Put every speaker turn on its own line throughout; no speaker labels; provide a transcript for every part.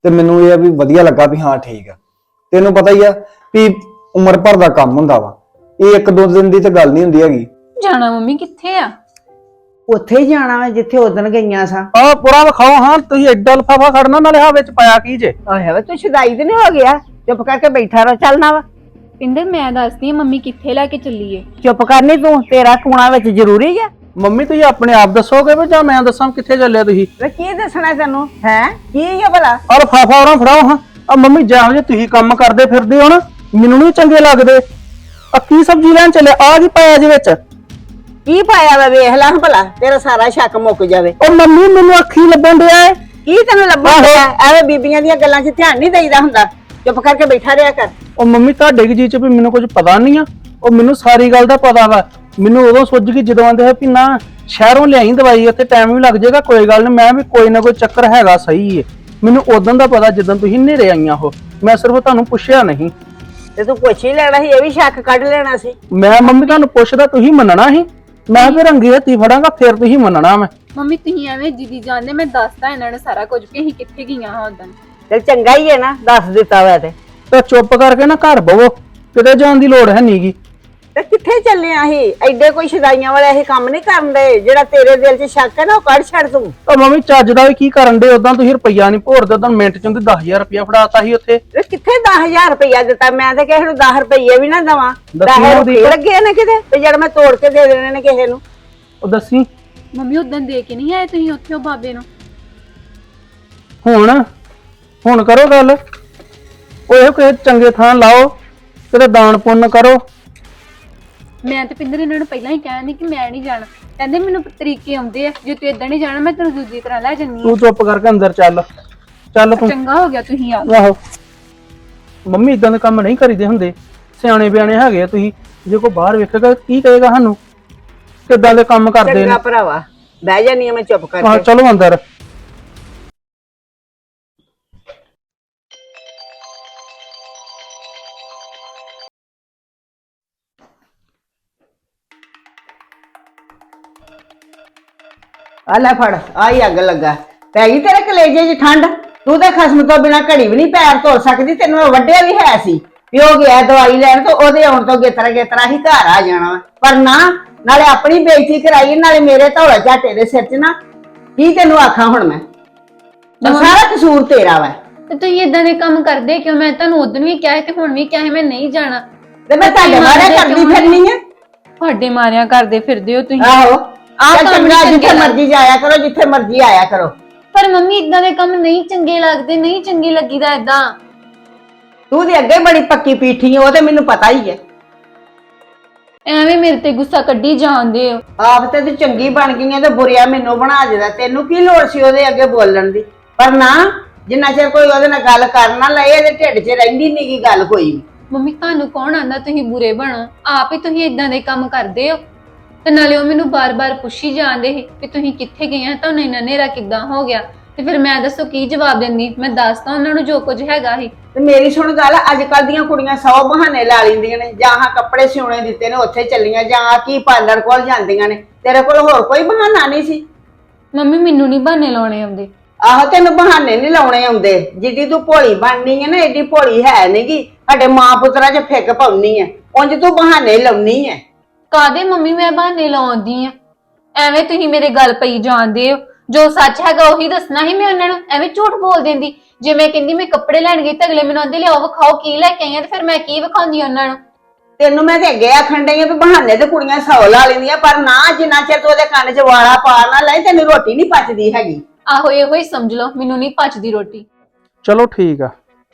ਤੇ ਮੈਨੂੰ ਇਹ ਆ ਵੀ ਵਧੀਆ ਲੱਗਾ ਵੀ ਹਾਂ ਠੀਕ ਆ। ਤੈਨੂੰ ਪਤਾ ਹੀ ਆ ਵੀ ਉਮਰ ਭਰ ਦਾ ਕੰਮ ਹੁੰਦਾ ਵਾ, ਇਹ ਇੱਕ ਦੋ ਦਿਨ ਦੀ ਤੇ ਗੱਲ ਨਹੀਂ ਹੁੰਦੀ ਹੈਗੀ।
ਜਾਣਾ ਮੰਮੀ ਕਿੱਥੇ ਆ?
ਉੱਥੇ ਹੀ ਜਾਣਾ ਵਾ ਜਿੱਥੇ ਉਦਣ ਗਈਆਂ ਸਾਂ।
ਆ ਪੂਰਾ ਵਿਖਾਓ ਹਾਂ, ਤੁਸੀਂ ਐਡਾ ਲਫਾਫਾ ਖੜਨਾ ਨਾਲੇ ਹਾਂ ਵਿੱਚ ਪਾਇਆ ਕੀ ਜੇ?
ਆਹੇ ਵੇ ਤੂੰ ਸ਼ਦਾਈ ਤੇ ਨਹੀਂ ਹੋ ਗਿਆ? ਚੁੱਪ ਕਰਕੇ ਬੈਠਾ ਰਹੋ, ਚੱਲਣਾ ਵਾ।
ਪਿੰਦਰ ਮੈਂ ਦੱਸਦੀ ਆ ਮੰਮੀ ਕਿੱਥੇ ਲੈ ਕੇ ਚੱਲੀਏ।
ਚੁੱਪ ਕਰਨੀ ਤੂੰ, ਤੇਰਾ ਟੂਣਾ ਵਿੱਚ ਜ਼ਰੂਰੀ ਆ।
ਮੰਮੀ ਤੁਸੀਂ ਆਪਣੇ ਆਪ ਦੱਸੋਗੇ ਵੀ ਜਾਂ ਮੈਂ ਦੱਸਾਂ ਕਿੱਥੇ ਚੱਲਿਆ ਤੁਸੀਂ?
ਵੇ ਕੀ ਦੱਸਣਾ ਤੈਨੂੰ ਹੈ? ਕੀ ਆ ਭਲਾ?
ਆ ਲਫਾਫਾ ਉਹਨਾਂ ਫੜਾਓ ਹਾਂ। ਆ ਮੰਮੀ ਜਿਹੋ ਜੇ ਤੁਸੀਂ ਕੰਮ ਕਰਦੇ ਫਿਰਦੇ ਹੋ ਨਾ, ਮੈਨੂੰ ਨਹੀਂ ਚੰਗੇ ਲੱਗਦੇ। ਆ ਕੀ ਸਬਜ਼ੀ ਲੈਣ ਚੱਲੇ? ਆ ਕੀ ਪਾਇਆ ਜੇ ਵਿੱਚ?
ਕੀ ਪਾਇਆ ਵਾ ਵੇਖ ਲੈ ਭਲਾ, ਤੇਰਾ ਸਾਰਾ ਸ਼ੱਕ ਮੁੱਕ ਜਾਵੇ।
ਉਹ ਮੰਮੀ ਮੈਨੂੰ ਅੱਖੀ ਲੱਭਣ ਡਿਆ ਏ।
ਕੀ ਤੈਨੂੰ ਲੱਭਣ ਡਿਆ? ਐਵੇਂ ਬੀਬੀਆਂ ਦੀਆਂ ਗੱਲਾਂ 'ਚ ਧਿਆਨ ਨਹੀਂ ਦੇਈਦਾ ਹੁੰਦਾ। ਚੁੱਪ ਕਰਕੇ ਬੈਠਾ ਰਿਹਾ ਕਰ।
ਉਹ ਮੰਮੀ ਤੁਹਾਡੇ ਕੀ ਜੀ ਚ ਵੀ ਮੈਨੂੰ ਕੁਝ ਪਤਾ ਨਹੀਂ ਆ। ਉਹ ਮੈਨੂੰ ਸਾਰੀ ਗੱਲ ਦਾ ਪਤਾ ਵਾ। ਮੈਨੂੰ ਉਦੋਂ ਸੁੱਝ ਗਈ ਜਦੋਂ ਆਂਦੇ ਹੈ ਵੀ ਨਾ ਸ਼ਹਿਰੋਂ ਲਿਆਈ ਦਵਾਈ, ਉੱਥੇ ਟਾਈਮ ਵੀ ਲੱਗ ਜਾਏਗਾ, ਕੋਈ ਗੱਲ ਨਹੀਂ, ਮੈਂ ਵੀ ਕੋਈ ਨਾ ਕੋਈ ਚੱਕਰ ਹੈਗਾ ਸਹੀ ਏ। ਮੈਨੂੰ ਉਦੋਂ ਦਾ ਪਤਾ ਜਦੋਂ ਤੁਸੀਂ ਨੇਰੇ ਆਈਆਂ ਹੋ, ਮੈਂ ਸਿਰਫ ਤੁਹਾਨੂੰ ਪੁੱਛਿਆ ਨਹੀਂ।
ਤੇ ਤੂੰ ਪੁੱਛ ਹੀ ਲੈਣਾ ਸੀ, ਇਹ ਵੀ ਸ਼ੱਕ ਕੱਢ ਲੈਣਾ ਸੀ।
ਮੈਂ ਮੰਮੀ ਤੁਹਾਨੂੰ ਪੁੱਛਦਾ ਤੁਸੀਂ ਮੰਨਣਾ ਸੀ? ਮੈਂ ਫਿਰ ਰੰਗੇ ਹੱਥੀ ਫੜਾਂਗਾ ਫਿਰ ਤੁਸੀਂ ਮੰਨਣਾ। ਮੈਂ
ਮੰਮੀ ਤੁਸੀਂ ਐਵੇਂ ਜਿੱਦੀ ਜਾਂਦੇ, ਮੈਂ ਦੱਸਦਾ ਇਹਨਾਂ ਨੇ ਸਾਰਾ ਕੁਝ ਵੀ ਅਸੀਂ ਕਿੱਥੇ ਗਈਆਂ ਹਾਂ ਉਦੋਂ।
ਤੇ ਚੰਗਾ ਹੀ ਹੈ ਨਾ, ਦੱਸ ਦਿੱਤਾ ਵਾ ਤੇ
ਚੁੱਪ ਕਰਕੇ ਨਾ ਘਰ ਬਵੋ, ਕਿਤੇ ਜਾਣ ਦੀ ਲੋੜ ਹੈ ਨਹੀਂਗੀ।
ਤੇ ਕਿੱਥੇ ਚੱਲੇ ਆ ਅਸੀਂ? ਐਡੇ ਕੋਈ ਸ਼ਦਾਈਆਂ ਵਾਲਾ ਇਹ ਕੰਮ ਨਹੀਂ ਕਰਨ ਦੇ। ਜਿਹੜਾ ਤੇਰੇ ਦਿਲ 'ਚ ਸ਼ੱਕ ਹੈ ਨਾ ਉਹ ਕੱਢ ਛੱਡ ਤੂੰ।
ਉਹ ਮੰਮੀ ਚੱਜ ਦਾ ਵੀ ਕੀ ਕਰਨ ਦੇ? ਉਦਾਂ ਤੁਸੀਂ ਰੁਪਈਆ ਨਹੀਂ ਭੋਰਦੇ, ਉਦਾਂ ਮਿੰਟ ਚ ਉਹਦੇ 10,000 ਰੁਪਇਆ ਫੜਾਤਾ ਸੀ ਉੱਥੇ।
ਤੇ ਕਿੱਥੇ 10,000 ਰੁਪਇਆ ਦਿੱਤਾ? ਮੈਂ ਤਾਂ ਕਿਸੇ ਨੂੰ 10 ਰੁਪਏ ਵੀ ਨਾ ਦਵਾਂ।
ਦੱਸੀ
10
ਉਹਦੀ।
ਰੁਪਏ ਲੱਗੇ ਨੇ ਕਿਤੇ ਤੇ ਜਿਹੜਾ ਮੈਂ ਤੋੜ ਕੇ ਦੇ ਦੇਣੇ ਨੇ ਕਿਸੇ ਨੂੰ।
ਉਹ ਦੱਸੀ
ਮੰਮੀ ਉਦੋਂ ਦੇ ਕੇ ਨਹੀਂ ਆਏ ਤੁਸੀਂ ਉੱਥੇ ਉਹ ਬਾਬੇ ਨੂੰ?
ਹੁਣ ਕਰੋ ਗੱਲ। ਉਹ ਇਹੋ ਕਿਸੇ ਚੰਗੇ ਥਾਂ ਲਾਓ, ਕਿਤੇ ਦਾਨ ਪੁੰਨ ਕਰੋ।
ਮੈਂ ਤੇ ਪਿੰਦਰ ਇਹਨਾਂ ਨੂੰ ਪਹਿਲਾਂ ਹੀ ਕਹਿੰਦੀ ਕਿ ਮੈਂ ਨਹੀਂ ਜਾਣਾ। ਕਹਿੰਦੇ ਮੈਨੂੰ ਤਰੀਕੇ ਆਉਂਦੇ ਆ, ਜੇ ਤੂੰ ਇਦਾਂ ਨਹੀਂ ਜਾਣਾ ਮੈਂ ਤੈਨੂੰ ਦੂਜੀ ਤਰ੍ਹਾਂ ਲੈ ਜੰਨੀ।
ਤੂੰ ਚੁੱਪ ਕਰਕੇ ਅੰਦਰ ਚੱਲ ਤੂੰ।
ਚੰਗਾ ਹੋ ਗਿਆ ਤੁਸੀਂ ਆ।
ਆਹੋ ਮੰਮੀ ਇਦਾਂ ਦੇ ਕੰਮ ਨਹੀਂ ਕਰੀਦੇ ਹੁੰਦੇ, ਸਿਆਣੇ ਬਿਆਣੇ ਹੈਗੇ ਆ ਤੁਸੀਂ। ਜੇ ਕੋਈ ਬਾਹਰ ਵੇਖੇਗਾ ਕੀ ਕਹੇਗਾ ਸਾਨੂੰ? ਕਿੱਦਾਂ ਦੇ ਕੰਮ ਕਰਦੇ ਨੇ।
ਚੰਗਾ ਭਰਾਵਾ, ਬਹਿ ਜਾਨੀ ਆ ਮੈਂ ਚੁੱਪ
ਆਹ
ਕਰਕੇ।
ਚਲੋ ਅੰਦਰ।
ਆ ਲੈ ਫੜ, ਆਈ ਅੱਗ ਲੱਗਾ। ਪੈ ਗਈ ਤੇਰੇ ਕਲੇਜੇ 'ਚ ਠੰਡ? ਤੂੰ ਤਾਂ ਖਸਮ ਤੋਂ ਬਿਨਾ ਘੜੀ ਵੀ ਨਹੀਂ ਪੈਰ ਧੋ ਸਕਦੀ। ਤੈਨੂੰ ਮੈਂ ਵੱਡਿਆ ਵੀ ਹੈ ਸੀ ਵੀ ਉਹ ਗਿਆ ਦਵਾਈ ਲੈਣ, ਤੇ ਉਹਦੇ ਆਉਣ ਤੋਂ ਗੇਤਰਾ ਹੀ ਘਰ ਆ ਜਾਣਾ। ਪਰ ਨਾ, ਨਾਲੇ ਆਪਣੀ ਬੇਇੱਜ਼ਤੀ ਕਰਾਈ, ਨਾਲੇ ਮੇਰੇ ਧੌਲਾ ਝਾਟੇ ਦੇ ਸਿਰ 'ਚ ਨਾ। ਕੀ ਤੈਨੂੰ ਆਖਾਂ ਹੁਣ ਮੈਂ? ਸਾਰਾ ਕਸੂਰ ਤੇਰਾ ਵਾ।
ਤੇ ਤੁਸੀਂ ਇਦਾਂ ਦੇ ਕੰਮ ਕਰਦੇ ਕਿਉਂ? ਮੈਂ ਤੁਹਾਨੂੰ ਉਦੋਂ ਵੀ ਕਿਹਾ ਤੇ ਹੁਣ ਵੀ ਕਿਹਾ ਮੈਂ ਨਹੀਂ ਜਾਣਾ।
ਤੇ ਮੈਂ ਤੁਹਾਡੇ ਮਾਰੇ ਕਰਦੀ ਫਿਰਨੀ ਆ।
ਤੁਹਾਡੇ ਮਾਰਿਆਂ ਕਰਦੇ ਫਿਰਦੇ ਹੋ ਤੁਸੀਂ।
ਆਹੋ,
ਆਹ
ਚੱਲ
ਕੰਮ
ਚੰਗਾ,
ਨੀ
ਜਿੱਥੇ
ਚੰਗੇ
ਮਰਜ਼ੀ ਜਾਇਆ ਕਰੋ, ਜਿੱਥੇ ਮਰਜ਼ੀ ਆਇਆ ਕਰੋ।
ਪਰ ਮੰਮੀ ਇਦਾਂ ਦੇ ਕੰਮ ਨਹੀਂ ਚੰਗੇ ਲੱਗਦੇ, ਨਹੀਂ ਚੰਗੀ ਲੱਗੀਦਾ ਇਦਾਂ।
ਤੂੰ ਤੇ ਅੱਗੇ ਬੜੀ ਪੱਕੀ ਪੀਠੀ ਆ, ਉਹ ਤੇ ਮੈਨੂੰ ਪਤਾ ਹੀ ਹੈ।
ਐਵੇਂ ਮੇਰੇ ਤੇ ਗੁੱਸਾ ਕੱਢੀ ਜਾਂਦੇ ਹੋ।
ਆਪ ਤੇ ਤੂੰ ਚੰਗੀ ਬਣ ਗਈ ਆ ਤੇ ਬੁਰਿਆ ਮੈਨੂੰ ਬਣਾ ਦੇਦਾ। ਤੈਨੂੰ ਕੀ ਲੋੜ ਸੀ ਉਹਦੇ ਅੱਗੇ ਬੋਲਣ ਦੀ? ਪਰ ਨਾ, ਜਿੰਨਾ ਚਿਰ ਕੋਈ ਉਹਦੇ ਨਾਲ ਗੱਲ ਕਰ ਨਾ ਲਏ, ਇਹਦੇ ਢਿੱਡ 'ਚ ਰਹਿੰਦੀ ਨੀ ਗੀ ਗੱਲ ਕੋਈ ਵੀ।
ਮੰਮੀ ਤੁਹਾਨੂੰ ਕੌਣ ਆਂਦਾ ਤੁਸੀਂ ਬੁਰੇ ਬਣੋ? ਆਪ ਹੀ ਤੁਸੀਂ ਇਦਾਂ ਦੇ ਕੰਮ ਕਰਦੇ ਹੋ। ਤੇ ਨਾਲੇ ਉਹ ਮੈਨੂੰ ਬਾਰ-ਬਾਰ ਪੁੱਛੀ ਜਾਂਦੇ ਸੀ ਕਿ ਤੁਸੀਂ ਕਿੱਥੇ ਗਏ ਆ, ਤੁਹਾਨੂੰ ਇੰਨਾ ਹਨੇਰਾ ਕਿੱਦਾਂ ਹੋ ਗਿਆ? ਤੇ ਫਿਰ ਮੈਂ ਦੱਸੋ ਕੀ ਜਵਾਬ ਦਿੰਦੀ? ਮੈਂ ਦੱਸਦਾ ਉਹਨਾਂ ਨੂੰ ਜੋ ਕੁਝ ਹੈਗਾ ਸੀ।
ਤੇ ਮੇਰੀ ਸੁਣ ਗੱਲ, ਅੱਜ ਕੱਲ ਦੀਆਂ ਕੁੜੀਆਂ 100 ਬਹਾਨੇ ਲਾ ਲੈਂਦੀਆਂ ਨੇ। ਜਾਂ ਹਾਂ ਕੱਪੜੇ ਸਿਉਣੇ ਦਿੱਤੇ ਨੇ ਉੱਥੇ ਚੱਲੀਆਂ, ਜਾਂ ਕੀ ਪਾਰਲਰ ਕੋਲ ਜਾਂਦੀਆਂ ਨੇ। ਤੇਰੇ ਕੋਲ ਹੋਰ ਕੋਈ ਬਹਾਨਾ ਨਹੀਂ ਸੀ?
ਮੰਮੀ ਮੈਨੂੰ ਨਹੀਂ ਬਹਾਨੇ ਲਾਉਣੇ ਆਉਂਦੇ।
ਆਹੋ, ਤੈਨੂੰ ਬਹਾਨੇ ਨਹੀਂ ਲਾਉਣੇ ਆਉਂਦੇ। ਜਿੱਡੀ ਤੂੰ ਭੋਲੀ ਬਣਨੀ ਹੈ ਨਾ, ਏਡੀ ਭੋਲੀ ਹੈ ਨਹੀਂਗੀ। ਸਾਡੇ ਮਾਂ ਪੁੱਤਰਾਂ 'ਚ ਫਿੱਕ ਪਾਉਣੀ ਹੈ, ਉਂਝ ਤੂੰ ਬਹਾਨੇ ਲਾਉਣੀ ਹੈ।
ਕਾਦੇ ਮੰਮੀ ਮੈਂ ਬਹਾਨੇ ਲਾਉਂਦੀ ਆ? ਐਵੇਂ ਤੁਸੀਂ ਮੇਰੇ ਗੱਲ ਪਈ ਜਾਂਦੇ ਹੋ। ਜੋ ਸੱਚ ਹੈਗਾ ਉਹੀ ਦੱਸਣਾ ਹੀ ਮੈਂ ਉਹਨਾਂ ਨੂੰ। ਐਵੇਂ ਝੂਠ ਬੋਲ ਦਿੰਦੀ। ਜੇ ਮੈਂ ਕਹਿੰਦੀ ਮੈਂ ਕੱਪੜੇ ਲੈਣ ਗਈ ਤਾਂ ਅਗਲੇ ਮੈਨੂੰ ਆਂਦੇ ਲਿਆਓ ਵਿਖਾਓ ਕੀ ਲੈ ਕੇ ਆਈਆਂ, ਤੇ ਫਿਰ ਮੈਂ ਕੀ ਵਿਖਾਉਂਦੀ ਉਹਨਾਂ ਨੂੰ?
ਤੈਨੂੰ ਮੈਂ ਤੇ ਅੱਗੇ ਆਖਣ ਡਈ ਆ ਵੀ ਬਹਾਨੇ ਤੇ ਕੁੜੀਆਂ 100 ਲਾ ਲੈਂਦੀਆਂ, ਪਰ ਨਾ, ਜਿੰਨਾ ਚਿਰ ਤੂੰ ਉਹਦੇ ਕੰਨ 'ਚ ਵਾਲਾ ਪਾ ਨਾ ਲੈ, ਤੈਨੂੰ ਰੋਟੀ ਨਹੀਂ ਪਚਦੀ ਹੈਗੀ।
ਆਹੋ ਇਹੋ ਹੀ ਸਮਝ ਲਓ, ਮੈਨੂੰ ਨਹੀਂ ਪਚਦੀ ਰੋਟੀ।
ਚਲੋ ਠੀਕ ਆ।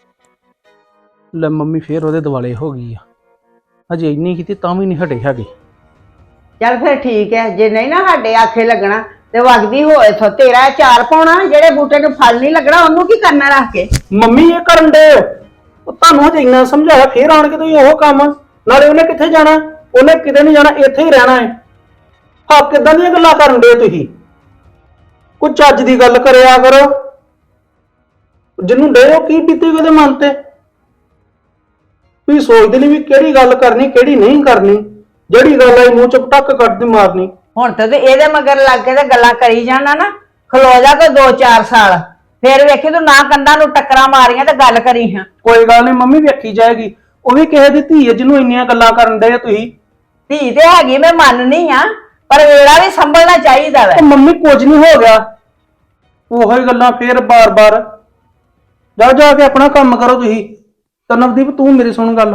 ਲੈ ਮੰਮੀ ਫੇਰ ਉਹਦੇ ਦਿਵਾਲੇ ਹੋ ਗਈ ਆ। ਅਜੇ ਇੰਨੀ ਕੀਤੀ ਤਾਂ ਵੀ ਨਹੀਂ ਹਟੇ ਹੈਗੇ।
ਚੱਲ ਫਿਰ ਠੀਕ ਹੈ, ਜੇ ਨਹੀਂ ਨਾ ਸਾਡੇ ਆਖੇ ਲੱਗਣਾ ਤੇ ਵਗਦੀ ਹੋਏ ਥੋ ਤੇਰਾ ਚਾਰ ਪਾਉਣਾ। ਜਿਹੜੇ ਬੂਟੇ ਨੂੰ ਫਲ ਨਹੀਂ ਲੱਗਣਾ ਉਹਨੂੰ ਕੀ ਕਰਨਾ ਰੱਖ ਕੇ?
ਮੰਮੀ ਇਹ ਕਰਨ ਦੇ ਉਹ ਤੁਹਾਨੂੰ ਹਜੇ ਇੰਨਾ ਸਮਝਾਇਆ, ਫੇਰ ਆਣ ਕੇ ਤੁਸੀਂ ਉਹ ਕੰਮ। ਨਾਲੇ ਉਹਨੇ ਕਿੱਥੇ ਜਾਣਾ? ਉਹਨੇ ਕਿਤੇ ਨਹੀਂ ਜਾਣਾ, ਇੱਥੇ ਹੀ ਰਹਿਣਾ ਹੈ। ਹਾਂ, ਕਿੱਦਾਂ ਦੀਆਂ ਗੱਲਾਂ ਕਰਨ ਦੇ ਤੁਸੀਂ? ਕੋਈ ਚੱਜ ਦੀ ਗੱਲ ਕਰਿਆ ਕਰੋ। ਜਿਹਨੂੰ ਡੇ ਉਹ ਕੀ ਬੀਤੀ ਉਹਦੇ ਮਨ ਤੇ? ਤੁਸੀਂ ਸੋਚਦੇ ਨਹੀਂ ਵੀ ਕਿਹੜੀ ਗੱਲ ਕਰਨੀ ਕਿਹੜੀ ਨਹੀਂ ਕਰਨੀ। ਜਿਹੜੀ ਗੱਲ ਆਈ ਮੂੰਹ ਚ ਪਟਕ ਕੱਢ ਦੀ ਮਾਰਨੀ।
ਹੁਣ ਤੇ ਇਹਦੇ ਮਗਰ ਲੱਗ ਕੇ ਤੇ ਗੱਲਾਂ ਕਰੀ ਜਾਣਾ ਨਾ। ਖਲੋ ਜਾ ਕੋਈ 2-4 ਸਾਲ, ਫੇਰ ਵੇਖੀ ਤੂੰ ਨਾ ਕੰਧਾਂ ਨੂੰ ਟੱਕਰਾਂ ਮਾਰੀਆਂ ਤੇ ਗੱਲ ਕਰੀ ਹਾਂ।
ਕੋਈ ਗੱਲ ਨਹੀਂ ਮੰਮੀ, ਵੇਖੀ ਜਾਏਗੀ। ਉਹ ਵੀ ਕਿਸੇ ਦੀ ਧੀ ਹੈ ਜਿਹਨੂੰ ਇੰਨੀਆਂ ਗੱਲਾਂ ਕਰਨ ਦੇ ਤੁਸੀਂ।
ਧੀ ਤੇ ਹੈਗੀ, ਮੈਂ ਮੰਨਨੀ ਆ, ਪਰ ਵੇਲਾ ਵੀ ਸੰਭਲਣਾ ਚਾਹੀਦਾ ਵੈ।
ਉਹ ਮੰਮੀ ਕੁਝ ਨਹੀਂ ਹੋ ਗਿਆ, ਉਹੀ ਗੱਲਾਂ ਫੇਰ ਬਾਰ-ਬਾਰ। ਜਾ ਜਾ ਕੇ ਆਪਣਾ ਕੰਮ ਕਰੋ ਤੁਸੀਂ। ਤਾਂ ਨਵਦੀਪ ਤੂੰ ਮੇਰੀ ਸੁਣ ਗੱਲ,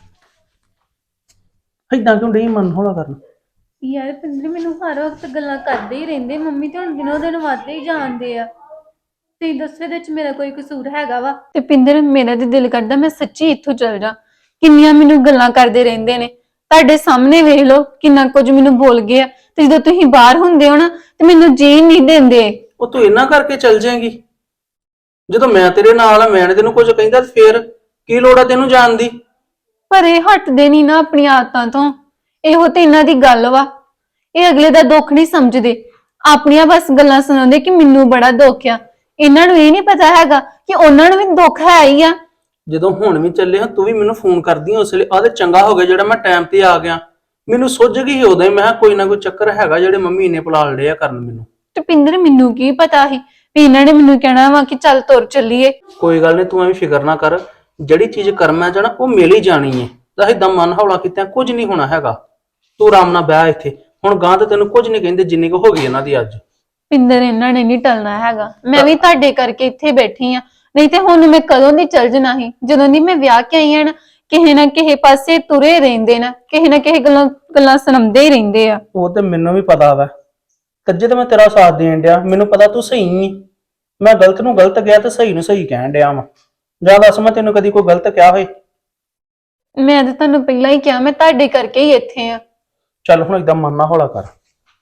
ਏਦਾਂ ਕਿਉਂ ਡਈ ਮਨ ਹੌਲਾ ਕਰਨ?
ਯਾਰ ਪਿੰਦਰ ਮੈਨੂੰ ਹਰ ਵਕਤ ਗੱਲਾਂ ਕਰਦੇ ਹੀ ਰਹਿੰਦੇ, ਮੰਮੀ ਤੇ ਹੁਣ ਦਿਨੋਂ ਦਿਨ ਵੱਧਦੇ ਹੀ ਜਾਂਦੇ ਆ। ਤੇ ਦੱਸੇ ਦੇ ਵਿੱਚ ਮੇਰਾ ਕੋਈ ਕਸੂਰ ਹੈਗਾ ਵਾ? ਤੇ ਪਿੰਦਰ ਮੇਰਾ ਤੇ ਦਿਲ ਕਰਦਾ ਮੈਂ ਸੱਚੀ ਇੱਥੋਂ ਚਲ ਜਾ। ਕਿੰਨੀਆਂ ਮੈਨੂੰ ਗੱਲਾਂ ਕਰਦੇ ਰਹਿੰਦੇ ਨੇ, ਤੁਹਾਡੇ ਸਾਹਮਣੇ ਵੇਖ ਲਓ ਕਿੰਨਾ ਕੁਝ ਮੈਨੂੰ ਬੋਲ ਗਏ ਆ। ਤੇ ਜਦੋਂ ਤੁਸੀਂ ਬਾਹਰ ਹੁੰਦੇ ਹੋ ਨਾ ਤੇ ਮੈਨੂੰ ਜੀਣ ਨਹੀਂ ਦਿੰਦੇ।
ਉਹ ਤੂੰ ਇਹਨਾਂ ਕਰਕੇ ਚੱਲ ਜਾਏਂਗੀ? ਜਦੋਂ ਮੈਂ ਤੇਰੇ ਨਾਲ ਆ, ਮੈਂ ਤੈਨੂੰ ਕੁਝ ਕਹਿੰਦਾ ਤੇ ਫੇਰ ਕੀ ਲੋੜ ਆ ਤੈਨੂੰ ਜਾਣ ਦੀ?
ਪਰ ਇਹ ਹਟਦੇ ਨਹੀਂ ਨਾ ਆਪਣੀ ਆਦਤਾਂ ਤੋਂ। ਇਹੋ ਤੇ ਇਹਨਾਂ ਦੀ ਗੱਲ ਵਾ, ਇਹ ਅਗਲੇ ਦਾ ਦੁੱਖ ਨਹੀਂ ਸਮਝਦੇ, ਆਪਣੀਆਂ ਬਸ ਗੱਲਾਂ ਸੁਣਾਉਂਦੇ ਕਿ ਮੈਨੂੰ ਬੜਾ ਦੁੱਖ ਆ। ਇਹਨਾਂ ਨੂੰ ਇਹ ਨਹੀਂ ਪਤਾ ਹੈਗਾ ਕਿ ਉਹਨਾਂ ਨੂੰ ਵੀ ਦੁੱਖ ਹੈ ਹੀ ਆ।
ਜਦੋਂ ਹੁਣ ਵੀ ਚੱਲੇ ਹਾਂ ਤੂੰ ਵੀ ਮੈਨੂੰ ਫੋਨ ਕਰਦੀ ਉਸ ਵੇਲੇ, ਆਹ ਤੇ ਚੰਗਾ ਹੋ ਗਿਆ ਜਿਹੜਾ ਮੈਂ ਟਾਈਮ ਤੇ ਆ ਗਿਆ। ਮੈਨੂੰ ਸੁੱਝ ਗਈ ਉਦੋਂ ਹੀ, ਮੈਂ ਕਿਹਾ ਕੋਈ ਨਾ ਕੋਈ ਚੱਕਰ ਹੈਗਾ ਜਿਹੜੇ ਮੰਮੀ ਨੇ ਪਲਾਲ ਲਿਆ ਕਰਨ ਮੈਨੂੰ।
ਤੇ ਪਿੰਦਰ ਮੈਨੂੰ ਕੀ ਪਤਾ ਸੀ ਵੀ ਇਹਨਾਂ ਨੇ ਮੈਨੂੰ ਕਹਿਣਾ ਵਾ ਕਿ ਚੱਲ ਤੁਰ ਚੱਲੀਏ।
ਕੋਈ ਗੱਲ ਨਹੀਂ, ਤੂੰ ਐਵੇਂ ਫਿਕਰ ਨਾ ਕਰ, ਜਿਹੜੀ ਚੀਜ਼ ਕਰਮਾਂ ਚ ਨਾ ਉਹ ਮਿਲ ਹੀ ਜਾਣੀ ਹੈ। ਤਾਂ ਏਦਾਂ ਮਨ ਹੌਲਾ ਕੀਤਾ ਕੁਝ ਨਹੀਂ ਹੋਣਾ ਹੈਗਾ। ਤੂੰ ਆਰਾਮ ਨਾਲ ਬਹਿ ਇੱਥੇ, ਹੁਣ ਗਾਂ ਤੇ ਤੈਨੂੰ ਕੁਝ ਨਹੀਂ ਕਹਿੰਦੇ ਜਿੰਨੀ ਕੁ ਹੋ ਗਈ ਇਹਨਾਂ ਦੀ ਅੱਜ।
ਪਿੰਦਰ ਇਹਨਾਂ ਨੇ ਨਹੀਂ ਟਲਣਾ ਹੈਗਾ, ਮੈਂ ਵੀ ਤੁਹਾਡੇ ਕਰਕੇ ਇੱਥੇ ਬੈਠੀ ਆ, ਨਹੀਂ ਤੇ ਹੁਣ ਮੈਂ ਕਦੋਂ ਦੀ ਚੱਲ ਜਣਾ ਸੀ। ਜਦੋਂ ਦੀ ਮੈਂ ਵਿਆਹ ਕੇ ਆਈ ਆ ਨਾ, ਕਿਸੇ ਨਾ ਕਿਸੇ ਪਾਸੇ ਤੁਰੇ ਰਹਿੰਦੇ ਨਾ, ਕਿਸੇ ਨਾ ਕਿਸੇ ਗੱਲਾਂ ਸੁਣਾਉਂਦੇ ਹੀ ਰਹਿੰਦੇ ਆ।
ਉਹ ਤੇ ਮੈਨੂੰ ਵੀ ਪਤਾ ਵਾ, ਕੱਜੇ ਤੇ ਮੈਂ ਤੇਰਾ ਸਾਥ ਦੇਣ ਡਿਆ, ਮੈਨੂੰ ਪਤਾ ਤੂੰ ਸਹੀ ਨਹੀਂ। ਮੈਂ ਗਲਤ ਨੂੰ ਗਲਤ ਗਿਆ ਤੇ ਸਹੀ ਨੂੰ ਸਹੀ ਕਹਿਣ ਡਿਆ ਵਾ। ਜਾਂ ਦੱਸ ਮੈਂ ਤੈਨੂੰ ਕਦੀ ਕੋਈ ਗਲਤ ਕਿਹਾ ਹੋਏ?
ਮੈਂ ਤਾਂ ਤੁਹਾਨੂੰ ਪਹਿਲਾਂ ਹੀ ਕਿਹਾ ਮੈਂ ਤੁਹਾਡੇ ਕਰਕੇ ਹੀ ਇੱਥੇ ਆ।
ਚੱਲ ਹੁਣ ਏਦਾਂ ਮਨ ਨਾ ਹੌਲਾ ਕਰ।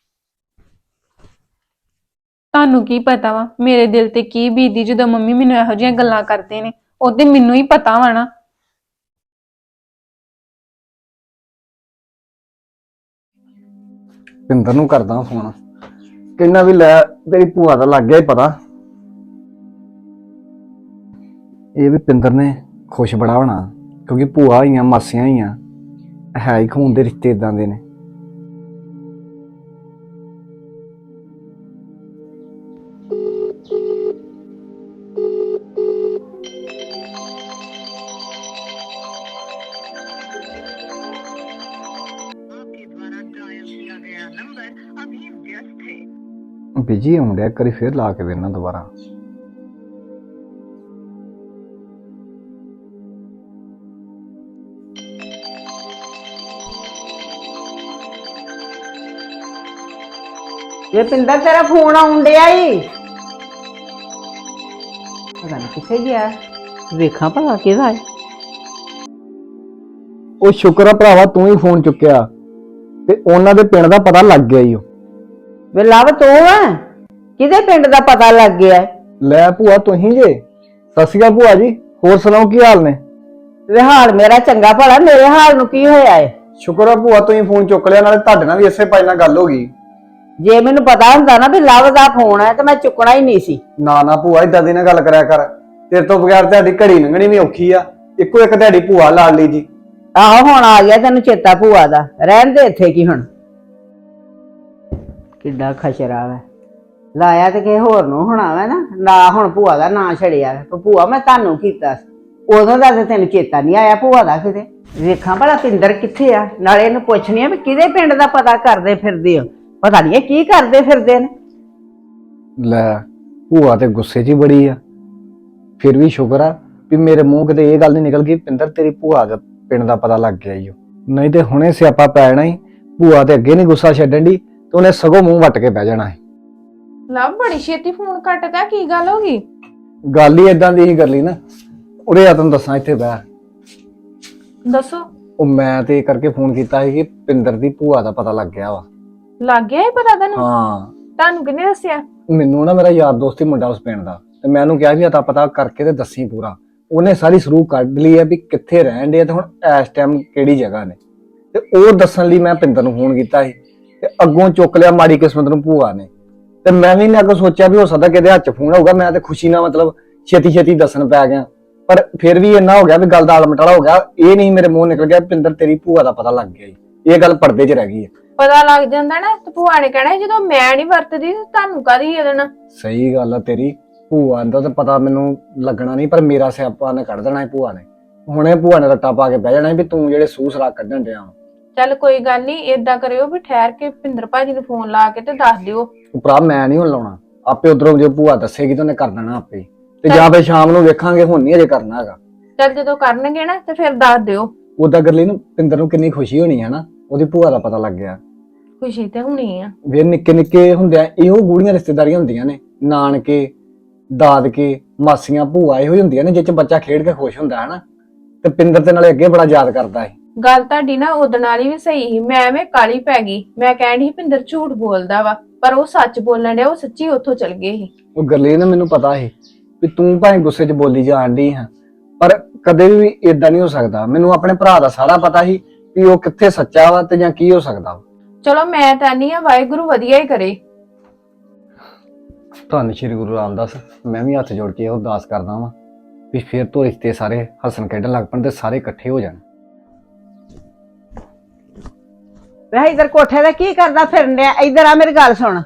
ਤੁਹਾਨੂੰ ਕੀ ਪਤਾ ਵਾ ਮੇਰੇ ਦਿਲ ਤੇ ਕੀ ਬੀਤਦੀ ਜਦੋਂ ਮੰਮੀ ਮੈਨੂੰ ਇਹੋ ਜਿਹੀਆਂ ਗੱਲਾਂ ਕਰਦੇ ਨੇ, ਉਹ ਤੇ ਮੈਨੂੰ ਹੀ ਪਤਾ ਵਾ ਨਾ।
ਪਿੰਦਰ ਨੂੰ ਕਰਦਾ ਫੋਨ, ਕਹਿੰਦਾ ਵੀ ਲੈ ਤੇਰੀ ਭੂਆ ਦਾ ਲੱਗ ਗਿਆ ਹੀ ਪਤਾ। ਇਹ ਵੀ ਪਿੰਦਰ ਨੇ ਖੁਸ਼ ਬੜਾ ਹੋਣਾ, ਕਿਉਂਕਿ ਭੂਆ ਹੋਈਆਂ ਮਾਸੀਆਂ ਹੋਈਆਂ ਹੈ ਹੀ ਖੂਨ ਦੇ ਰਿਸ਼ਤੇ ਇਦਾਂ ਦੇ ਨੇ। ਬਿਜੀ ਹੋਣ ਡਿਆ, ਕਰੀ ਫੇਰ ਲਾ ਕੇ ਵੇਖਣਾ ਦੁਬਾਰਾ।
ਇਹ ਪਿੰਦਰ ਤੇਰਾ ਫੋਨ ਆਉਣ ਡਿਆ ਈ। ਪਤਾ ਨਹੀਂ ਕਿੱਥੇ ਗਿਆ, ਵੇਖਾਂ ਭਲਾ ਕਿਹਦਾ ਹੈ।
ਉਹ ਸ਼ੁਕਰ ਆ ਭਰਾਵਾ ਤੂੰ ਹੀ ਫੋਨ ਚੁੱਕਿਆ, ਤੇ ਉਹਨਾਂ ਦੇ ਪਿੰਡ ਦਾ ਪਤਾ ਲੱਗ ਗਿਆ ਈ।
ਵੇ ਲਵ ਤੂੰ ਆ, ਕਿਹਦੇ ਪਿੰਡ ਦਾ ਪਤਾ ਲੱਗ ਗਿਆ?
ਲੈ ਭੂਆ ਤੁਸੀਂ ਜੇ? ਸਤਿ ਸ਼੍ਰੀ ਅਕਾਲ ਭੂਆ ਜੀ, ਹੋਰ ਸੁਣਾਓ ਕੀ ਹਾਲ ਨੇ?
ਵੇ ਹਾਲ ਮੇਰਾ ਚੰਗਾ ਭਲਾ, ਮੇਰੇ ਹਾਲ ਨੂੰ ਕੀ ਹੋਇਆ ਏ?
ਸ਼ੁਕਰ ਆ ਭੂਆ ਤੁਸੀਂ ਫੋਨ ਚੁੱਕ ਲਿਆ, ਨਾਲੇ ਤੁਹਾਡੇ ਨਾਲ ਵੀ ਇਸੇ ਭਾਈ ਨਾਲ ਗੱਲ ਹੋ ਗਈ।
ਜੇ ਮੈਨੂੰ ਪਤਾ ਹੁੰਦਾ ਨਾ ਵੀ ਲਵ ਦਾ ਫੋਨ ਹੈ ਤੇ ਮੈਂ ਚੁੱਕਣਾ ਹੀ ਨਹੀਂ ਸੀ।
ਨਾ ਨਾ ਭੂਆ ਇਦਾਂ ਦੀ ਨਾ ਗੱਲ ਕਰਿਆ ਕਰ, ਤੇਰੇ ਤੋਂ ਬਗੈਰ ਤੁਹਾਡੀ ਘੜੀ ਲੰਘਣੀ ਵੀ ਔਖੀ ਆ। ਇੱਕੋ ਇੱਕ ਤੁਹਾਡੀ ਭੂਆ ਲਾਡਲੀ ਜੀ।
ਆਹੋ ਹੁਣ ਆ ਗਿਆ ਤੈਨੂੰ ਚੇਤਾ ਭੂਆ ਦਾ, ਰਹਿਣ ਦੇ ਇੱਥੇ ਕੀ ਹੁਣ। ਕਿੱਡਾ ਖਚਰਾ ਵਾ, ਲਾਇਆ ਤੇ ਕਿਸੇ ਹੋਰ ਨੂੰ ਹੋਣਾ ਵਾ ਨਾ ਹੁਣ ਭੂਆ ਦਾ ਨਾਂ ਛੜਿਆ ਵਾ। ਭੂਆ ਮੈਂ ਤੁਹਾਨੂੰ ਕੀਤਾ ਉਦੋਂ ਦਾ ਤੇ ਤੈਨੂੰ ਚੇਤਾ ਨਹੀਂ ਆਇਆ ਭੂਆ ਦਾ ਕਿਤੇ। ਵੇਖਾਂ ਭਲਾ ਪਿੰਦਰ ਕਿੱਥੇ ਆ, ਨਾਲੇ ਇਹਨੂੰ ਪੁੱਛਣੀ ਆ ਵੀ ਕਿਹਦੇ ਪਿੰਡ ਦਾ ਪਤਾ ਕਰਦੇ ਫਿਰਦੇ ਹੋ, ਪਤਾ ਨਹੀਂ ਇਹ ਕੀ ਕਰਦੇ ਫਿਰਦੇ ਨੇ।
ਲੈ ਭੂਆ ਤੇ ਗੁੱਸੇ 'ਚ ਹੀ ਬੜੀ ਆ, ਫਿਰ ਵੀ ਸ਼ੁਕਰ ਆ ਵੀ ਮੇਰੇ ਮੂੰਹ ਕਿਤੇ ਇਹ ਗੱਲ ਨਹੀਂ ਨਿਕਲ ਗਈ ਪਿੰਦਰ ਤੇਰੀ ਭੂਆ ਦਾ ਪਿੰਡ ਦਾ ਪਤਾ ਲੱਗ ਗਿਆ ਈ ਓ। ਨਹੀਂ ਤੇ ਹੁਣੇ ਸਿਆਪਾ ਪੈ ਜਾਣਾ ਹੀ। ਭੂਆ ਤੇ ਅੱਗੇ ਨਹੀਂ ਗੁੱਸਾ ਛੱਡਣ ਦੀ ਤੇ ਉਹਨੇ ਸਗੋਂ ਮੂੰਹ ਵੱਟ ਕੇ ਬਹਿ ਜਾਣਾ ਹੈ।
ਲਵ ਬੜੀ ਛੇਤੀ ਫੋਨ ਕੱਟਦਾ, ਕੀ ਗੱਲ ਹੋ ਗਈ?
ਗੱਲ ਹੀ ਏਦਾਂ ਦੀ ਹੀ ਕਰ ਲਈ ਨਾ। ਉਰੇ ਆ ਤੈਨੂੰ ਦੱਸਾਂ, ਇੱਥੇ ਬਹਿ।
ਦੱਸੋ।
ਉਹ ਮੈਂ ਤੇ ਇਹ ਕਰਕੇ ਫੋਨ ਕੀਤਾ ਸੀ ਕਿ ਪਿੰਦਰ ਦੀ ਭੂਆ ਦਾ ਪਤਾ ਲੱਗ ਗਿਆ ਵਾ।
ਲੱਗ ਗਿਆ ਇਹ ਪਤਾ ਤੈਨੂੰ?
ਹਾਂ,
ਤੁਹਾਨੂੰ ਕਿਹਨੇ ਦੱਸਿਆ?
ਮੈਨੂੰ ਨਾ ਮੇਰਾ ਯਾਰ ਦੋਸਤ ਹੀ ਮੁੰਡਾ ਉਸ ਪਿੰਡ ਦਾ, ਤੇ ਮੈਂ ਉਹਨੂੰ ਕਿਹਾ ਵੀ ਅਤਾ ਪਤਾ ਕਰਕੇ ਤੇ ਦੱਸੀ ਪੂਰਾ। ਉਹਨੇ ਸਾਰੀ ਸਰੂਹ ਕੱਢ ਲਈ ਹੈ ਵੀ ਕਿੱਥੇ ਰਹਿਣ ਦੇ ਤੇ ਹੁਣ ਇਸ ਟਾਈਮ ਕਿਹੜੀ ਜਗ੍ਹਾ ਨੇ, ਤੇ ਉਹ ਦੱਸਣ ਲਈ ਮੈਂ ਪਿੰਦਰ ਨੂੰ ਫੋਨ ਕੀਤਾ ਸੀ। ਤੇ ਅੱਗੋਂ ਚੁੱਕ ਲਿਆ ਮਾੜੀ ਕਿਸਮਤ ਨੂੰ ਭੂਆ ਨੇ। ਤੇ ਮੈਂ ਵੀ ਨਾ ਅੱਗੋਂ ਸੋਚਿਆ ਵੀ ਹੋ ਸਕਦਾ ਕਿਹਦੇ ਹੱਥ 'ਚ ਫੋਨ ਹੋਊਗਾ, ਮੈਂ ਤੇ ਖੁਸ਼ੀ ਨਾਲ ਮਤਲਬ ਛੇਤੀ ਛੇਤੀ ਦੱਸਣ ਪੈ ਗਿਆ। ਪਰ ਫਿਰ ਵੀ ਇੰਨਾ ਹੋ ਗਿਆ ਵੀ ਗੱਲ ਦਾ ਆਲਮਟਾਲਾ ਹੋ ਗਿਆ। ਇਹ ਨਹੀਂ ਮੇਰੇ ਮੂੰਹ ਨਿਕਲ ਗਿਆ ਪਿੰਦਰ ਤੇਰੀ ਭੂਆ ਦਾ ਪਤਾ ਲੱਗ ਗਿਆ ਜੀ। ਇਹ ਗੱਲ ਪਰਦੇ 'ਚ ਰਹਿ ਗਈ ਹੈ।
ਪਤਾ ਲੱਗ ਜਾਂਦਾ ਨਾ ਤੇ ਭੂਆ ਨੇ ਕਹਿਣਾ ਜਦੋਂ ਮੈਂ ਨਹੀਂ ਵਰਤਦੀ ਤੇ ਤੁਹਾਨੂੰ ਕਾਹਦੀ ਇਹਦੇ ਨਾਲ।
ਸਹੀ ਗੱਲ ਆ ਤੇਰੀ, ਭੂਆ ਦਾ ਤਾਂ ਪਤਾ ਮੈਨੂੰ ਲੱਗਣਾ ਨਹੀਂ, ਪਰ ਮੇਰਾ ਸਿਆਪਾ ਨੇ ਕੱਢ ਦੇਣਾ ਹੈ ਭੂਆ ਨੇ। ਹੁਣੇ ਭੂਆ ਨੇ ਰੱਟਾ ਪਾ ਕੇ ਬਹਿ ਜਾਣਾ ਵੀ ਤੂੰ ਜਿਹੜੇ ਸੂਹ ਸਰਾਖ ਕੱਢਣ ਡਿਆ ਵਾਂ।
ਚੱਲ ਕੋਈ ਗੱਲ ਨਹੀਂ, ਏਦਾਂ ਕਰਿਓ ਵੀ ਠਹਿਰ ਕੇ ਭਿੰਦਰ ਭਾਜੀ ਨੂੰ ਫੋਨ ਲਾ ਕੇ ਤੇ ਦੱਸ ਦਿਓ।
ਤੂੰ ਭਰਾ ਮੈਂ ਨਹੀਂ ਹੁਣ ਲਾਉਣਾ, ਆਪੇ ਉਧਰੋਂ ਜੇ ਭੂਆ ਦੱਸੇਗੀ ਤਾਂ ਉਹਨੇ ਕਰ ਦੇਣਾ ਆਪੇ ਹੀ। ਤੇ ਜਾਂ ਫਿਰ ਸ਼ਾਮ ਨੂੰ ਵੇਖਾਂਗੇ, ਹੁਣ ਨਹੀਂ ਅਜੇ ਕਰਨਾ ਹੈਗਾ।
ਚੱਲ ਜਦੋਂ ਕਰਨਗੇ ਨਾ ਤੇ ਫਿਰ ਦੱਸ ਦਿਓ।
ਉਦਾਂ ਗਰਲੀ ਨੂੰ ਪਿੰਦਰ ਨੂੰ ਕਿੰਨੀ ਖੁਸ਼ੀ ਹੋਣੀ ਹੈ ਨਾ, ਉਹਦੀ ਭੂਆ ਦਾ ਪਤਾ ਲੱਗ ਗਿਆ।
ਖੁਸ਼ੀ ਤੇ ਹੋਣੀ ਆ।
ਵੀ ਨਿੱਕੇ ਨਿੱਕੇ ਹੁੰਦਿਆਂ ਇਹੋ ਗੂੜੀਆਂ ਰਿਸ਼ਤੇਦਾਰੀਆਂ ਹੁੰਦੀਆਂ ਨੇ, ਨਾਨਕੇ ਦਾਦਕੇ ਮਾਸੀਆਂ ਭੂਆ ਇਹੋ ਹੀ ਹੁੰਦੀਆਂ ਨੇ ਜਿਹ ਚ ਬੱਚਾ ਖੇਡ ਕੇ ਖੁਸ਼ ਹੁੰਦਾ ਹੈ ਨਾ। ਤੇ ਪਿੰਦਰ ਤੇ ਨਾਲੇ ਅੱਗੇ ਬੜਾ ਯਾਦ ਕਰਦਾ ਹੈ।
ਗੱਲ ਤੁਹਾਡੀ ਨਾ ਉਦਣ ਵਾਲੀ ਵੀ ਸਹੀ ਸੀ, ਮੈਂ ਐਵੇਂ ਕਾਲੀ ਪੈ ਗਈ। ਮੈਂ ਕਹਿਣ ਡਈ ਸੀ ਭਿੰਦਰ ਝੂਠ ਬੋਲਦਾ ਵਾ, ਪਰ ਉਹ ਸੱਚ ਬੋਲਣ ਡਿਆ, ਉਹ ਸੱਚੀ ਉੱਥੋਂ ਚਲ ਗਏ ਸੀ।
ਉਹ ਗਰਲੀ ਨੇ ਮੈਨੂੰ ਪਤਾ ਸੀ ਵੀ ਤੂੰ ਭਾਵੇਂ ਗੁੱਸੇ 'ਚ ਬੋਲੀ ਜਾਣ ਡਈ ਹਾਂ, ਪਰ ਕਦੇ ਵੀ ਇਦਾਂ ਨਹੀਂ ਹੋ ਸਕਦਾ। ਮੈਨੂੰ ਆਪਣੇ ਭਰਾ ਦਾ ਸਾਰਾ ਪਤਾ ਸੀ ਵੀ ਉਹ ਕਿੱਥੇ ਸੱਚਾ ਵਾ ਤੇ ਜਾਂ ਕੀ ਹੋ ਸਕਦਾ ਵਾ।
ਚਲੋ ਮੈਂ ਤਾਂ ਨਹੀਂ ਆ, ਵਾਹਿਗੁਰੂ ਵਧੀਆ ਹੀ ਕਰੇ।
ਧੰਨ ਸ਼੍ਰੀ ਗੁਰੂ ਰਾਮਦਾਸ। ਮੈਂ ਵੀ ਹੱਥ ਜੋੜ ਕੇ ਇਹ ਅਰਦਾਸ ਕਰਦਾ ਵਾਂ ਵੀ ਫਿਰ ਤੋਂ ਰਿਸ਼ਤੇ ਸਾਰੇ ਹੱਸਣ ਖੇਡਣ ਲੱਗ ਪਣ ਤੇ ਸਾਰੇ ਇਕੱਠੇ ਹੋ ਜਾਣ।
ਵੈਸੇ ਇਧਰ ਕੋਠੇ ਤੇ ਕੀ ਕਰਦਾ ਫਿਰਨ ਡਿਆ? ਇਧਰ ਆ, ਮੇਰੀ ਗੱਲ ਸੁਣ।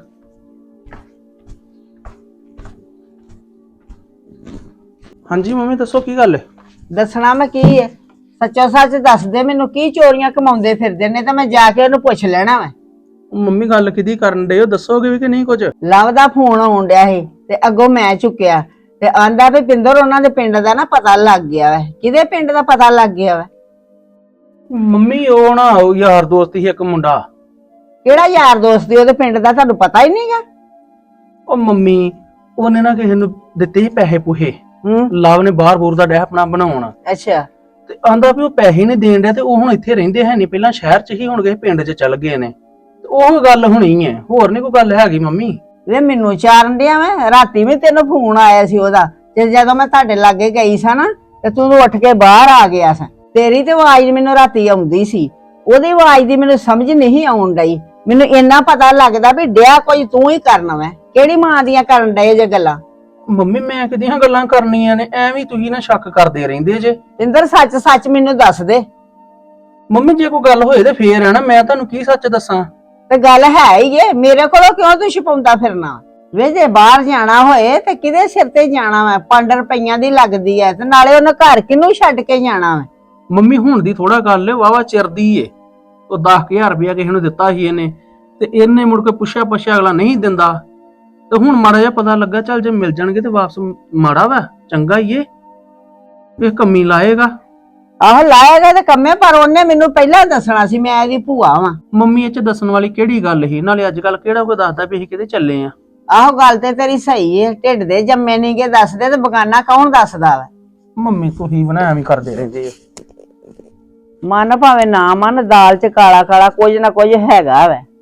ਹਾਂਜੀ ਮੰਮੀ ਦੱਸੋ ਕੀ ਗੱਲ ਹੈ?
ਦੱਸਣਾ ਮੈਂ ਕੀ ਹੈ, ਸੱਚੋ ਸੱਚ ਦੱਸ ਦੇ ਮੈਨੂੰ, ਕੀ ਚੋਰੀਆਂ ਕਮਾਉਂਦੇ ਫਿਰਦੇ ਨੇ, ਤਾਂ ਮੈਂ ਜਾ ਕੇ ਉਹਨੂੰ ਪੁੱਛ ਲੈਣਾ ਵਾ।
ਮੰਮੀ ਗੱਲ ਕਿਹਦੀ ਕਰਨ ਡਏ ਹੋ, ਦੱਸੋਗੇ ਵੀ ਕਿ ਨਹੀਂ ਕੁਝ?
ਲਵ ਦਾ ਫੋਨ ਆਉਣ ਡਿਆ ਸੀ ਤੇ ਅੱਗੋਂ ਮੈਂ ਚੁੱਕਿਆ ਤੇ ਆਂਦਾ ਵੀ ਪਿੰਦਰ ਉਹਨਾਂ ਦੇ ਪਿੰਡ ਦਾ ਨਾ ਪਤਾ ਲੱਗ ਗਿਆ ਵਾ। ਕਿਹਦੇ ਪਿੰਡ ਦਾ ਪਤਾ ਲੱਗ ਗਿਆ ਵਾ?
ਮੰਮੀ ਉਹ ਨਾ ਉਹ ਯਾਰ ਦੋਸਤ ਸੀ ਇੱਕ ਮੁੰਡਾ।
ਕਿਹੜਾ ਯਾਰ ਦੋਸਤ ਦੀ ਉਹਦੇ ਪਿੰਡ ਦਾ ਤੁਹਾਨੂੰ ਪਤਾ ਹੀ ਨਹੀਂਗਾ?
ਉਹ ਮੰਮੀ ਉਹਨੇ ਨਾ ਕਿਸੇ ਨੂੰ ਦਿੱਤੇ ਸੀ ਪੈਸੇ ਪੂਹੇ।
ਹੂੰ,
ਲਵ ਨੇ ਬਾਹਰ ਬੂਰ ਦਾ ਡਿਆ ਆਪਣਾ ਬਣਾਉਣ,
ਅੱਛਾ।
ਤੇ ਆਂਦਾ ਵੀ ਉਹ ਪੈਸੇ ਨਹੀਂ ਦੇਣ ਡਿਆ ਤੇ ਉਹ ਹੁਣ ਇੱਥੇ ਰਹਿੰਦੇ ਹੈ ਨਹੀਂ, ਪਹਿਲਾਂ ਸ਼ਹਿਰ 'ਚ ਹੀ ਹੁਣ ਗਏ ਪਿੰਡ 'ਚ ਚੱਲ ਗਏ ਨੇ। ਤੇ ਉਹ ਗੱਲ ਹੋਣੀ ਹੈ, ਹੋਰ ਨਹੀਂ ਕੋਈ ਗੱਲ ਹੈਗੀ ਮੰਮੀ।
ਵੇ ਮੈਨੂੰ ਚਾਰਨ ਡਿਆ ਮੈਂ, ਰਾਤੀ ਵੀ ਤੈਨੂੰ ਫੋਨ ਆਇਆ ਸੀ ਉਹਦਾ, ਤੇ ਜਦੋਂ ਮੈਂ ਤੁਹਾਡੇ ਲਾਗੇ ਗਈ ਸਾਂ ਨਾ ਤੇ ਤੂੰ ਉੱਠ ਕੇ ਬਾਹਰ ਆ ਗਿਆ ਸਾਂ। ਤੇਰੀ ਤੇ ਆਵਾਜ਼ ਮੈਨੂੰ ਰਾਤੀ ਆਉਂਦੀ ਸੀ, ਉਹਦੀ ਆਵਾਜ਼ ਦੀ ਮੈਨੂੰ ਸਮਝ ਨਹੀਂ ਆਉਣ ਡਈ। ਮੈਨੂੰ ਇੰਨਾ ਪਤਾ ਲੱਗਦਾ ਵੀ ਡਿਆ ਕੋਈ ਤੂੰ ਹੀ ਕਰਨਾ ਵਾ। ਕਿਹੜੀ ਮਾਂ ਦੀਆਂ ਕਰਨ ਡਏ ਜੇ ਗੱਲਾਂ?
ਮੰਮੀ ਮੈਂ ਕਿਹਦੀਆਂ ਗੱਲਾਂ ਕਰਨੀਆਂ ਨੇ, ਐਵੇਂ ਤੁਸੀਂ ਨਾ ਸ਼ੱਕ ਕਰਦੇ ਰਹਿੰਦੇ ਜੇ।
ਪਿੰਦਰ ਸੱਚ ਸੱਚ ਮੈਨੂੰ ਦੱਸ ਦੇ।
ਮੰਮੀ ਜੇ ਕੋਈ ਗੱਲ ਹੋਏ ਤੇ ਫੇਰ ਹੈ ਨਾ, ਮੈਂ ਤੁਹਾਨੂੰ ਕੀ ਸੱਚ ਦੱਸਾਂ?
ਤੇ ਗੱਲ ਹੈ ਹੀ ਏ, ਮੇਰੇ ਕੋਲੋਂ ਕਿਉਂ ਤੂੰ ਛੁਪਾਉਂਦਾ ਫਿਰਨਾ? ਵੇ ਜੇ ਬਾਹਰ ਜਾਣਾ ਹੋਏ ਤੇ ਕਿਹਦੇ ਸਿਰ ਤੇ ਜਾਣਾ ਵਾ? 5 ਰੁਪਈਆਂ ਦੀ ਲੱਗਦੀ ਐ, ਤੇ ਨਾਲੇ ਉਹਨੇ ਘਰ ਕਿਹਨੂੰ ਛੱਡ ਕੇ ਜਾਣਾ ਵਾ?
ਮੰਮੀ ਹੁਣ ਦੀ ਥੋੜਾ ਗੱਲ ਏ, ਵਾਵਾ ਚਿਰ ਦੀ ਏ। ਉਹ 10,000 ਰੁਪਇਆ ਕਿਸੇ ਨੂੰ ਦਿੱਤਾ ਸੀ ਇਹਨੇ, ਤੇ ਇਹਨੇ ਮੁੜ ਕੇ ਪੁੱਛਿਆ ਅਗਲਾ ਨਹੀਂ ਦਿੰਦਾ। ਤੇ ਹੁਣ ਮਾੜਾ ਜਿਹਾ ਪਤਾ ਲੱਗਾ, ਚੱਲ ਜੇ ਮਿਲ ਜਾਣਗੇ ਤੇ ਵਾਪਸ ਮਾੜਾ ਵਾ, ਚੰਗਾ ਹੀ ਏ, ਇਹ ਕੰਮੀ ਲਾਏਗਾ।
ਆਹੋ ਲਾਏਗਾ ਤੇ ਕੰਮੇ, ਪਰ ਉਹਨੇ ਮੈਨੂੰ ਪਹਿਲਾਂ ਦੱਸਣਾ ਸੀ, ਮੈਂ ਇਹਦੀ ਭੂਆ ਵਾਂ।
ਮੰਮੀ ਇਹ ਚ ਦੱਸਣ ਵਾਲੀ ਕਿਹੜੀ ਗੱਲ ਸੀ? ਨਾਲੇ ਅੱਜ ਕੱਲ ਕਿਹੜਾ ਕੋਈ ਦੱਸਦਾ ਵੀ ਅਸੀਂ ਕਿਤੇ ਚੱਲੇ ਆ।
ਆਹੋ ਗੱਲ ਤੇ ਤੇਰੀ ਸਹੀ ਏ, ਢਿੱਡ ਦੇ ਜੰਮੇ ਨਹੀਂਗੇ ਦੱਸਦੇ ਤੇ ਬਗਾਨਾ ਕੌਣ ਦੱਸਦਾ ਵਾ?
ਮੰਮੀ ਤੁਸੀਂ ਬਣਾ ਐਵੇਂ ਕਰਦੇ ਰਹਿੰਦੇ ਹੋ।
ਮਨ ਭਾਵੇਂ ਨਾ ਮਨ, ਦਾਲ ਚ ਕਾਲਾ ਕਾਲਾ ਕੁਝ ਨਾ ਕੁਝ ਹੈਗਾ ਵਾ।